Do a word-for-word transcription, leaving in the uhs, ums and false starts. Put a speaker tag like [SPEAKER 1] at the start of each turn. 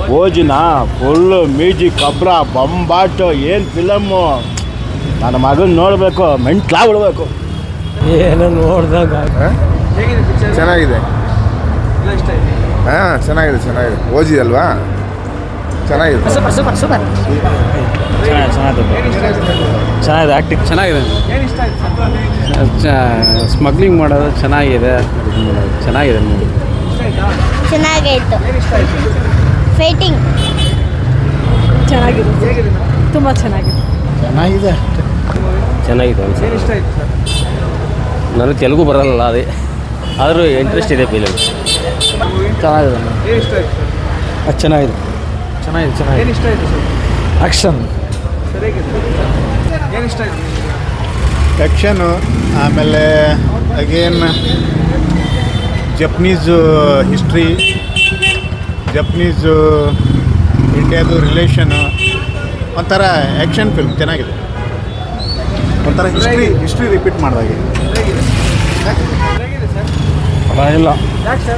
[SPEAKER 1] ಓಜಿನ full music ಕಬ್ರ ಬಂಬಾಟು ಏನು ಫಿಲಮ್ಮು. ನನ್ನ ಮಗನ ನೋಡಬೇಕು, ಮೆಂಟ್ಲಾ ಬಿಡಬೇಕು.
[SPEAKER 2] ಏನೋ ನೋಡ್ದಾಗ
[SPEAKER 3] ಚೆನ್ನಾಗಿದೆ. ಹಾಂ ಚೆನ್ನಾಗಿದೆ ಚೆನ್ನಾಗಿದೆ. ಓಜಿ ಅಲ್ವಾ, ಚೆನ್ನಾಗಿದೆ.
[SPEAKER 2] ಸೂಪರ್ ಸೂಪರ್ ಸೂಪರ್
[SPEAKER 1] ಚೆನ್ನಾಗಿದೆ ಚೆನ್ನಾಗಿದೆ ಆ್ಯಕ್ಟಿಂಗ್ ಚೆನ್ನಾಗಿದೆ.
[SPEAKER 4] ಸ್ಮಗ್ಲಿಂಗ್ ಮಾಡೋದು ಚೆನ್ನಾಗಿದೆ, ಚೆನ್ನಾಗಿದೆ ಮೂವಿ.
[SPEAKER 5] ಚೆನ್ನಾಗಾಯಿತು. ಫೈಟಿಂಗ್
[SPEAKER 6] ಚೆನ್ನಾಗಿದೆ, ತುಂಬ ಚೆನ್ನಾಗಿದೆ.
[SPEAKER 1] ಚೆನ್ನಾಗಿದೆ
[SPEAKER 4] ಚೆನ್ನಾಗಿದೆ. ನನಗೆ ತೆಲುಗು ಬರಲ್ಲ, ಅದೇ ಆದರೂ ಇಂಟ್ರೆಸ್ಟ್ ಇದೆ ಫಿಲಮ್.
[SPEAKER 1] ಚೆನ್ನಾಗಿದೆ ಅದು ಚೆನ್ನಾಗಿದೆ ಚೆನ್ನಾಗಿದೆ ಚೆನ್ನಾಗಿದೆ ಆ್ಯಕ್ಷನ್
[SPEAKER 3] ಆ್ಯಕ್ಷನು, ಆಮೇಲೆ ಅಗೇನ್ ಜಪ್ನೀಸು ಹಿಸ್ಟ್ರಿ, ಜಪ್ನೀಸು ಇಂಡಿಯಾದು ರಿಲೇಷನು, ಒಂಥರ ಆ್ಯಕ್ಷನ್ ಫಿಲ್ಮ್ ಚೆನ್ನಾಗಿದೆ. ಒಂಥರ ಹಿಸ್ಟ್ರಿ ಹಿಸ್ಟ್ರಿ ರಿಪೀಟ್ ಮಾಡಿದಾಗೆ.
[SPEAKER 1] ಇಲ್ಲ